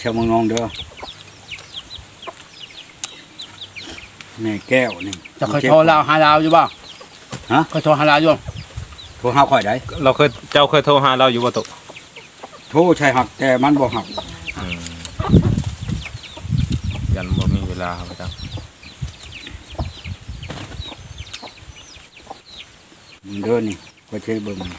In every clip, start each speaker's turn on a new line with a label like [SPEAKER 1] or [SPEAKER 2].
[SPEAKER 1] วเมืองนองเด้อแม่แก้วนี่
[SPEAKER 2] จะเคยโทรลาวหาลาวอยู่บ่
[SPEAKER 1] ฮะ
[SPEAKER 2] เคยโทรหาลาวอยู่
[SPEAKER 1] โทรหาข่อยได้
[SPEAKER 3] เจ้าเคยโทรหาเราอยู่บ่ตุ
[SPEAKER 1] โทรใช่หักแต่มันบ่หัก
[SPEAKER 3] ยันบ่มีเวลาครับอาจารย์
[SPEAKER 1] เด้อนี่ก็ใช้เบิ่ง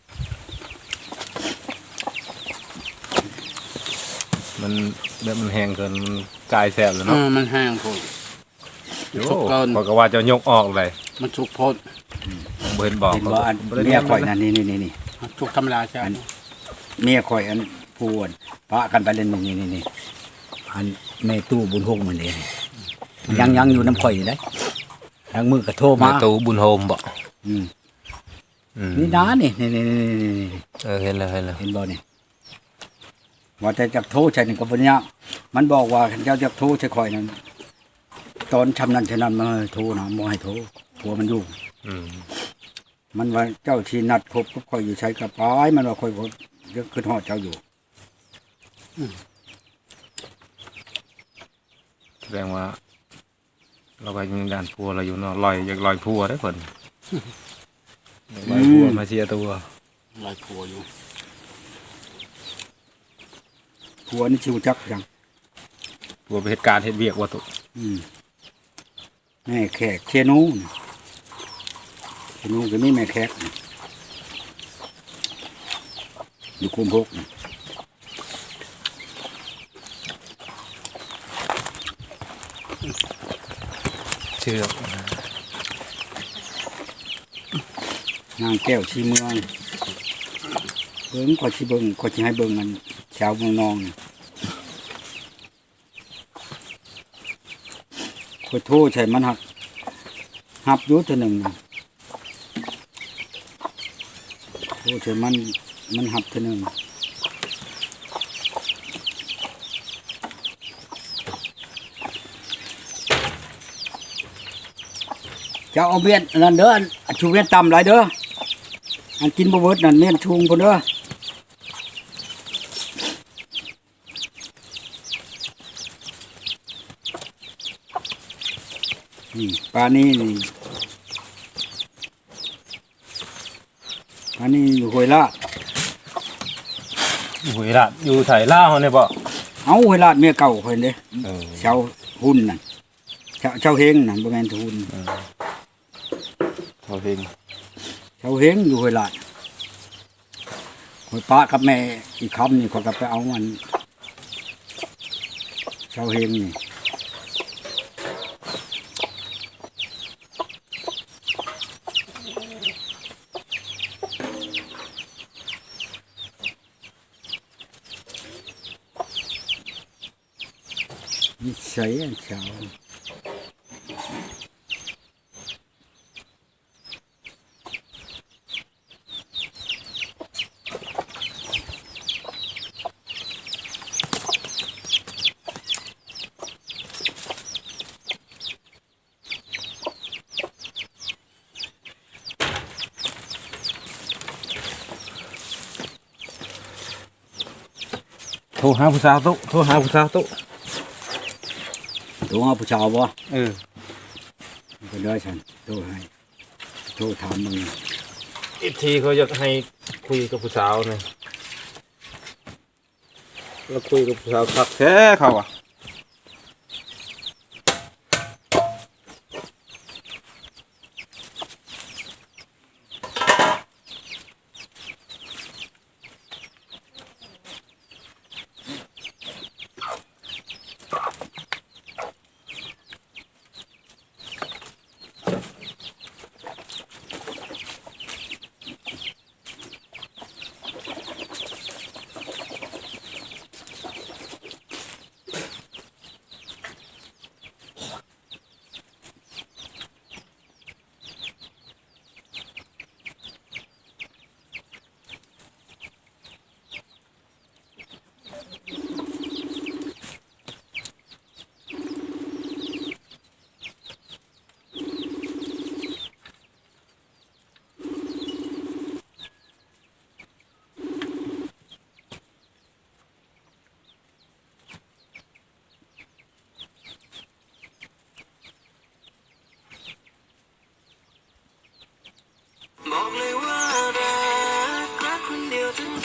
[SPEAKER 3] มันแบบมันแห้งเกินมันกลายแสบแล้วเนาะ
[SPEAKER 2] มันแห้งโพด
[SPEAKER 3] โอ้
[SPEAKER 2] สุกเกิน
[SPEAKER 3] บอกว่าจะยกออกเลย
[SPEAKER 2] มันสุกโพด
[SPEAKER 3] บ่เห็นบอก
[SPEAKER 1] เห็นว่าอันเมียข่อยนั่นนี่
[SPEAKER 2] สุกธรรมดาใช่ไหม
[SPEAKER 1] เมียข่อยอันพูนปะกันไปเล่นนี่อันแม่ตู้บุญโฮงมื้อนี้ยังอยู่น้ำข่อยอยู่ได้ทางมือก็โทร
[SPEAKER 3] มา
[SPEAKER 1] มา
[SPEAKER 3] ตูบุญโฮมบ่
[SPEAKER 1] อืมนี่นะนี่
[SPEAKER 3] เห็นแล้ว
[SPEAKER 1] เห็นบ่นี่ว่าแต่จักโทรใช่นี่ก็บ่ยากมันบอกว่าเจ้าจักโทรใช่ข่อยนั่นตอนทำนั้นฉะนั้นมาโทรนะบ่ให้โทรผัวมันอยู่ มันว่าเจ้าที่นัดพบกับข่อยอยู่ใช้กระป๋ายมันว่าข่อยบ่ยังขึ้นฮอดเจ้าอยู่
[SPEAKER 3] แสดงว่า เราก็ยังการพัวเราอยู่เนาะลอยอยากลอยพัวได้เพิ่นอยากลอยพัวมาเชียร์ตัว
[SPEAKER 2] ลอยผัวอยู่
[SPEAKER 1] ผัวนี่ชิวจักจัง
[SPEAKER 3] พัวไปเหตุการณ์เหตุเวียกว่าตุ
[SPEAKER 1] แม่แขกเชนูนี่เชนูก็มีแม่แขกนี่อยู่คุมพกนี่
[SPEAKER 3] เชื่อน
[SPEAKER 1] างแก้วชีเมืองเบิ่งก็สิเบิ่งก็สิให้เบิ่งมันชาวเมืองนองนี่ขอโทษใช่มันหับอยู่เท่านึงนี่โทษใช่มันหับเท่านึงเจ้าเอาเมียนนั่นเด้ออันชูเมียนต่ำหลายเด้ออันกินบ่เบิดนั่นเมียนชุงพุ่นเด้อนี่ปลานี่ปลานี่อยู่ห้วยลาด
[SPEAKER 3] หุยละอยู่ไถล่าเฮาเนี่ยบ่
[SPEAKER 1] เอาห้วยลาดเมียเก่าเพิ่นเด้
[SPEAKER 3] เออ
[SPEAKER 1] ชาวหุ่นนั่นชาวเฮงนั่นบ่แม่นหุ่น
[SPEAKER 3] เขาเพลง
[SPEAKER 1] ชาวเฮงอยู่ห้วยลาดห้วยป้ากับแม่อีกคำนี่เขาก็ไปเอามันชาวเฮงนี่นิสัยอันชาว
[SPEAKER 3] โทรหาผู้สาวตุโทรหาผู้สาวตุ
[SPEAKER 1] ตัวผู้ชาวบ่
[SPEAKER 3] เออ
[SPEAKER 1] ก็ได้ฉันโทรให้โทรถามมึง
[SPEAKER 3] อีกทีเขาอยากให้คุยกับผู้สาวเนี่ยแล้วคุยกับผู้สาวคักแท้เขาอ่ะ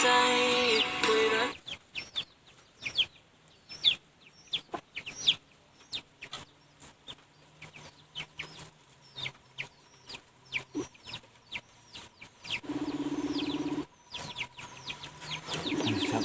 [SPEAKER 2] ครับ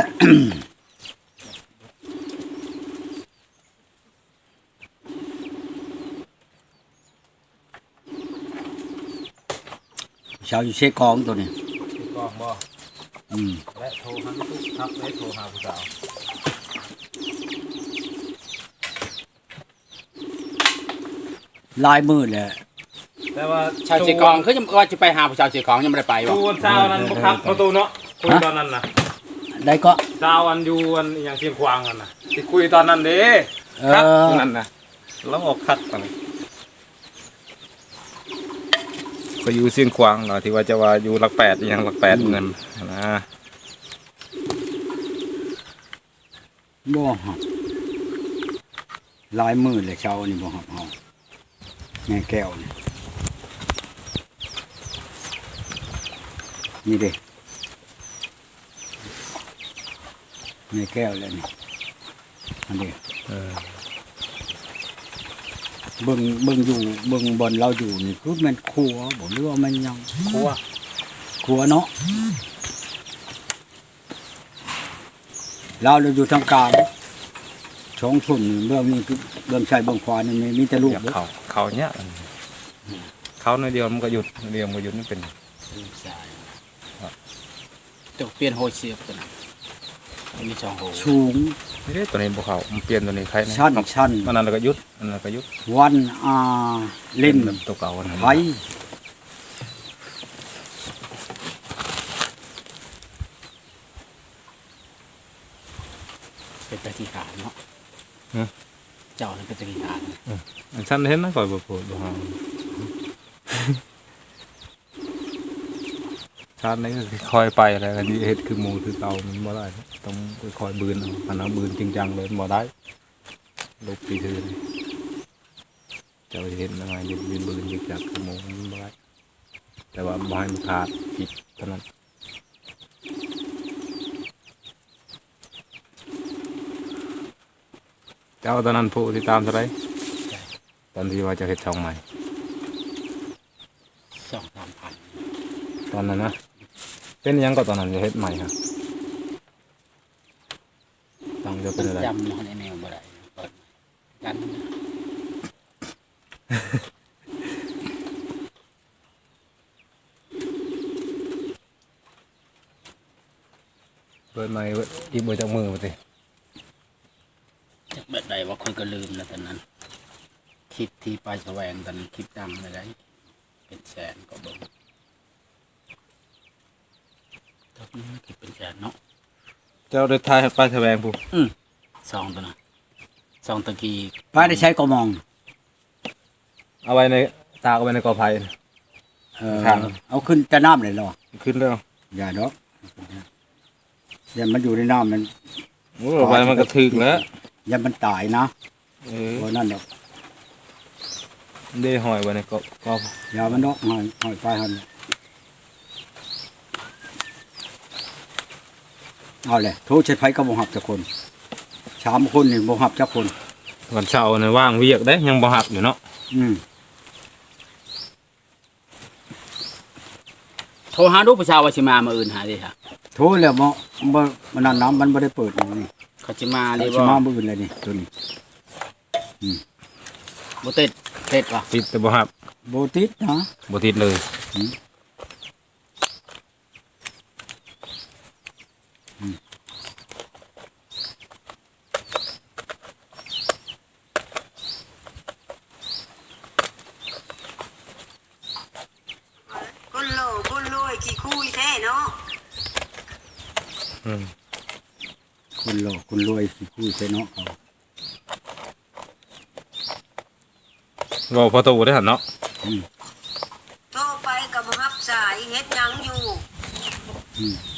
[SPEAKER 1] ชาวอยู่เช็คของตัวนี้
[SPEAKER 3] กองบ่
[SPEAKER 1] อืม
[SPEAKER 3] และโทรหาทุกทักและโทรหาผู้สาว
[SPEAKER 1] ลายมือแหละ
[SPEAKER 3] แต่ว่า
[SPEAKER 2] ชาวเชียงของคือยังว่าจะไปหาผู้ชาวเชียงของยังไม่ได้ไปวะ
[SPEAKER 3] ตูนสาวนั้นบ่ครับประตูเนาะคุยตอนนั้นน่ะ
[SPEAKER 1] ได้ก็
[SPEAKER 3] สาวอันอยู่อันอหย่างเชียงควางนั่นน่ะที่คุยตอนนั้นเด้ครับนั่นน่ะแล้วออกคักตอนนั้นก็อยู่เชียงควางเนาะที่ว่าจะว่าอยู่หลักแปดอหย่างหลักแปดเงินนะ
[SPEAKER 1] บ่หับลายมือเลยชาวนี่บ่หับเฮาแม่แก้วนี่นี่เด้แม่แก้วแล้วนี่อันนี้
[SPEAKER 3] เออ
[SPEAKER 1] เบิ่งอยู่เบิ่งบอลเราอยู่นี่คือมันครัวบ่หรือว่ามันหยัง
[SPEAKER 2] ครัว
[SPEAKER 1] ครัวเนาะเราอยู่ทางกลางช่องทุ่นเรื่องนี้คือเรื่องชายเบื้องขวานี่มีแต่ลูก
[SPEAKER 3] อยาก
[SPEAKER 1] เด้อ
[SPEAKER 3] เขาเนี้ยเขาในเดียวมันก็หยุดเดียวมันก็หยุดมันเป็น
[SPEAKER 2] จะเปลี่ยนโฮเสียบกันนะมีสองโฮ
[SPEAKER 1] สูง
[SPEAKER 3] นี่เด้ตัวนี้บ่เขามันเปลี่ยนตัวนี้ใครนะ
[SPEAKER 1] ชั้นชั้น
[SPEAKER 3] อันนั้นแล้วก็หยุดอันนั้นก็หยุด
[SPEAKER 1] วันเล่น
[SPEAKER 3] แบบตัวเก่าอันนั้น
[SPEAKER 1] ไผ
[SPEAKER 2] เป็นตะกี้ขาดเนาะเจ้านั่นเป็นตะกี้ขาดนะ
[SPEAKER 3] อันชั้นเห็นนะก่อยบ่โพดบ่ฮาชั้นนี้ก็คอยไปอะไรกันนี่เฮ็ดคือหมูคือเก่ามันบ่ได้ต้องคอยบืนเอาอันนั้นบืนจริงจังเลยมันบ่ได้ลูกปีซื่อนี่เจ้าเห็นยังไงยืนบืนยึกยักคือหมูมันบ่ได้แต่ว่าบ่ให้มันขาดผิดเท่านั้นเจ้าตอนนั้นผู้ที่ตามเท่าไหร่ตอนที่ว่าจะเฮ็ดช่องใหม่
[SPEAKER 2] 2-3 พัน
[SPEAKER 3] ตอนนั้นนะเป็นหยังก็ตอนนั้นจะเฮ็ดใหม่ครับตังค์จะเป็นอะไร
[SPEAKER 2] จำมันในแนวบ่ได้เปิดกัน
[SPEAKER 3] เปิดใหม่อีกบ่จักมือบ่ติ
[SPEAKER 2] จากเบ็ดใดว่าคนก็ลืมแล้วตอนนั้นคลิปที่ไปแสวงตอนนั้นคลิปดังเลยได้เป็นแสนก็เบิ่งตอนนี้คลิปเป็นแสนเนาะ
[SPEAKER 3] เจ้าได้ทายป้ายแสวงผู้
[SPEAKER 2] ซองตัวน่ะซองตะกี้
[SPEAKER 1] ป้าได้ใช้กระมอง
[SPEAKER 3] เอาไว้ในตากเอาไว้ในกอไผ่ ครับ
[SPEAKER 1] เอาขึ้นแต่น้ำเลยเหรอ
[SPEAKER 3] ขึ้นแล้ว
[SPEAKER 1] อย่าดอกอย่ามันอยู่ในน้ำมัน
[SPEAKER 3] โอ้เอาไว้มันก็ถึกแล้ว
[SPEAKER 1] อย่ามันตายนะ
[SPEAKER 3] เออ
[SPEAKER 1] เพราะนั่นดอก
[SPEAKER 3] ได้ห้อยไว้ในกอ
[SPEAKER 1] อย่ามันดอกหอยไปหันเอาเลยโทษใช้ไผก็บ่หับจักคน3คนนี่บ่หับจักคน
[SPEAKER 3] วันเสาร์นี่ว่างเวียกได้ยังบ่หับอยู่เนาะ
[SPEAKER 1] อืม
[SPEAKER 2] โทรหาลูกผู้ชายว่าสิมามื้ออื่นหาดิค่ะ
[SPEAKER 1] โทษแล้วบ่มันนั่นน้ำมันบ่ได้เปิดนี่
[SPEAKER 2] เขาสิมา
[SPEAKER 1] เล
[SPEAKER 2] เลย ย
[SPEAKER 1] สิ
[SPEAKER 2] บ่
[SPEAKER 1] มามื้ออื่นเลยนี่ตัวนี้
[SPEAKER 2] บ่ติดป่ะ
[SPEAKER 3] ติดแต่บ่หับ
[SPEAKER 1] บ่ติดนะ
[SPEAKER 3] บ่ติดเลย
[SPEAKER 4] คนโลคนรวยขี้คุยแท้เนาะ
[SPEAKER 3] อืม
[SPEAKER 1] คนหล่อคนรวยสิคุยใส่เนาะเขา
[SPEAKER 3] เว้าพอตูได้หั่นเนาะ
[SPEAKER 4] โทรไปกับรับสายเฮ็ดหยังอยู่
[SPEAKER 1] อืม